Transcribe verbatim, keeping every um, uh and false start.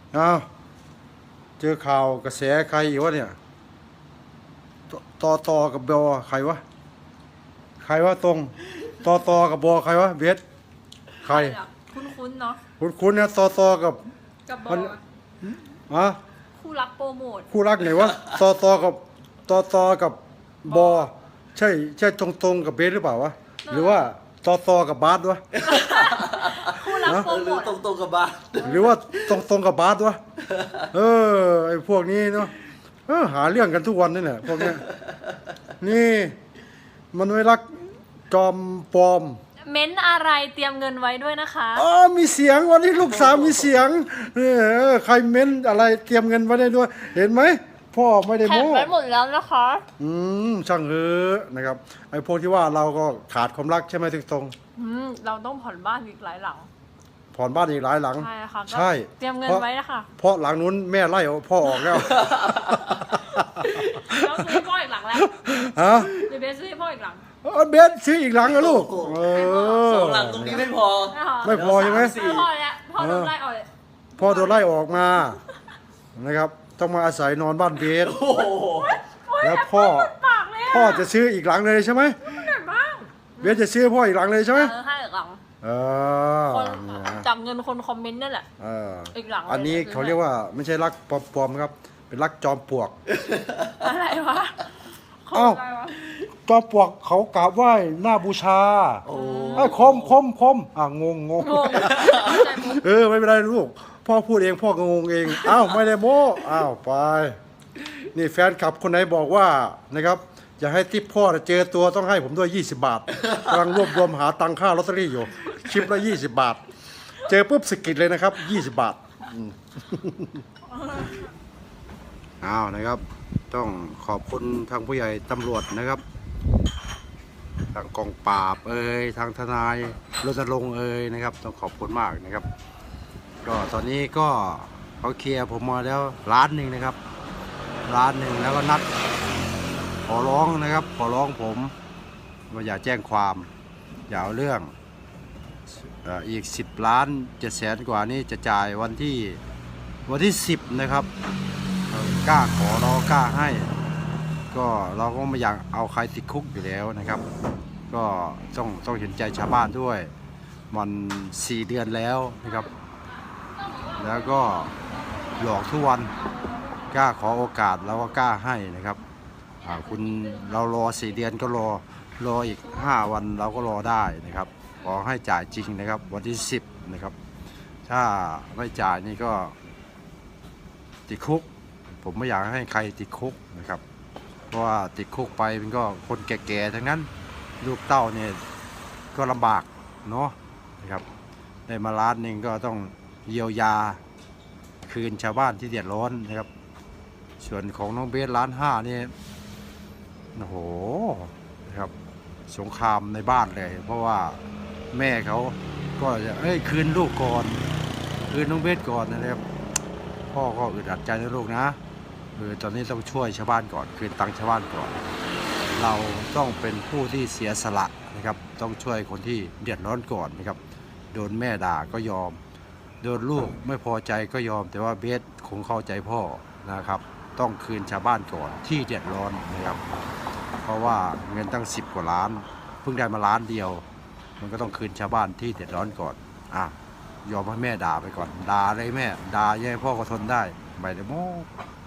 อ้าวเจอข่าวกระแสใครอีกวะเนี่ยตอตอกับบอใครวะใครวะตรงตอตอกับบอใครวะเบสใครคุ้นๆเนาะคุณคุณเนี่ยตอตอกับกับบอมันอะคู่รักโปรโมทคู่รักไหนวะตอตอกับตอตอกับบอใช่ใช่ตรงตรงกับเบสหรือเปล่าวะหรือว่าตอตอกับบาสวะคู่รักโปรโมทตรงตรงกับบาสหรือว่าตรงตรงกับบาสวะเออไอพวกนี้เนาะเออหาเรื่องกันทุกวันนี่แหละพวกเนี้ยนี่มันไม่รักจอมปลอมเม้นอะไรเตรียมเงินไว้ด้วยนะคะอ๋อมีเสียงวันนี้ลูกสาวมีเสียงเออใครเม้นอะไรเตรียมเงินไว้ได้ด้วยเห็นไหมพ่อไม่ได้แถมโม้ไว้หมดแล้วนะคะอืมช่างเถอะนะครับไอ้พวกที่ว่าเราก็ขาดความรักใช่ไหมถึงตรงอืมเราต้องผ่อนบ้านอีกหลายหลังผ่อนบ้านอีกหลายหลังใช่ค่ะใช่เตรียมเงินไว้นะคะเพราะหลังนู้นแม่ไล่พ่อออกแล้วเราซื้อพ่ออีกหลังแล้วฮะเดี๋ยวเบสซื้อพ่ออีกหลังเบสซื้ออีกหลังนะลูกสองหลังตรงนี้ไม่พอไม่พอใช่ไหมพ่อแล้วพ่อโดนไล่ออกพ่อโดนไล่ออกมานะครับต้องมาอาศัยนอนบ้านเบสแล้วพ่อพ่อจะซื้ออีกหลังเลยใช่ไหมเบสจะซื้อพ่ออีกหลังเลยใช่ไหมให้อีกหลังเออจับเงินคนคอมเมนต์นั่นแหละอีกหลังอันนี้เขาเรียกว่าไม่ใช่รักปลอมๆครับเป็นรักจอมปลวกอะไรวะเอ้าจอมปลวกเขากราบไหว้หน้าบูชาไอ้คมคมคมอ่ะงงงงเออไม่เป็นไรลูกพ่อพูดเองพ่องงเองอ้าวไม่ได้โม้อ้าวไปนี่แฟนคลับคนไหนบอกว่านะครับอย่าให้ทิปพ่อเจอตัวต้องให้ผมด้วยยี่สิบบาทกำลังรวบรวมหาตังค่าลอตเตอรี่อยู่ชิปละยี่สิบบาทเจอปุ๊บสกิดเลยนะครับยี่สิบบาทอ้าวนะครับต้องขอบคุณทางผู้ใหญ่ตำรวจนะครับทางกองปราบเอ่ยทางทนายรณรงค์เอ่ยนะครับต้องขอบคุณมากนะครับก็ตอนนี้ก็เขาเคลียร์ผมมาแล้วล้านหนึ่งนะครับล้านหนึ่งแล้วก็นัดขอร้องนะครับขอร้องผมว่าอย่าแจ้งความอย่าเอาเรื่องอีกสิบล้านเจ็ดแสนกว่านี้จะจ่ายวันที่วันที่สิบนะครับกล้าขอเรากล้าให้ก็เราก็ไม่อยากเอาใครติดคุกอยู่แล้วนะครับก็ต้องต้องเห็นใจชาวบ้านด้วยมันสี่เดือนแล้วนะครับแล้วก็หลอกทุกวันกล้าขอโอกาสเราก็กล้าให้นะครับคุณเรารอสี่เดือนก็รอรออีกห้าวันเราก็รอได้นะครับขอให้จ่ายจริงนะครับวันที่สิบนะครับถ้าไม่จ่ายนี่ก็ติดคุกผมไม่อยากให้ใครติดคุกนะครับเพราะว่าติดคุกไปมันก็คนแก่ๆทั้งนั้นลูกเต้าเนี่ยก็ลำบากเนาะนะครับได้มาล้านหนึ่งก็ต้องเยียวยาคืนชาวบ้านที่เดือดร้อนนะครับส่วนของน้องเบสล้านห้านี่โอ้โหนะครับสงครามในบ้านเลยเพราะว่าแม่เขาก็จะเอ้ยคืนลูกก่อนคืนน้องเบสก่อนนะครับพ่อก็อึดอัดใจนะลูกนะเออตอนนี้ต้องช่วยชาวบ้านก่อนคืนตังค์ชาวบ้านก่อนเราต้องเป็นผู้ที่เสียสละนะครับต้องช่วยคนที่เดือดร้อนก่อนนะครับโดนแม่ด่าก็ยอมโดนลูกไม่พอใจก็ยอมแต่ว่าเบสคงเข้าใจพ่อนะครับต้องคืนชาวบ้านก่อนที่เดือดร้อนนะครับเพราะว่าเงินตั้งสิบกว่าล้านเพิ่งได้มาล้านเดียวมันก็ต้องคืนชาวบ้านที่เดือดร้อนก่อนอ่ะยอมให้แม่ด่าไปก่อนด่าเลยแม่ด่าแย่พ่อก็ทนได้ไม่ได้โม้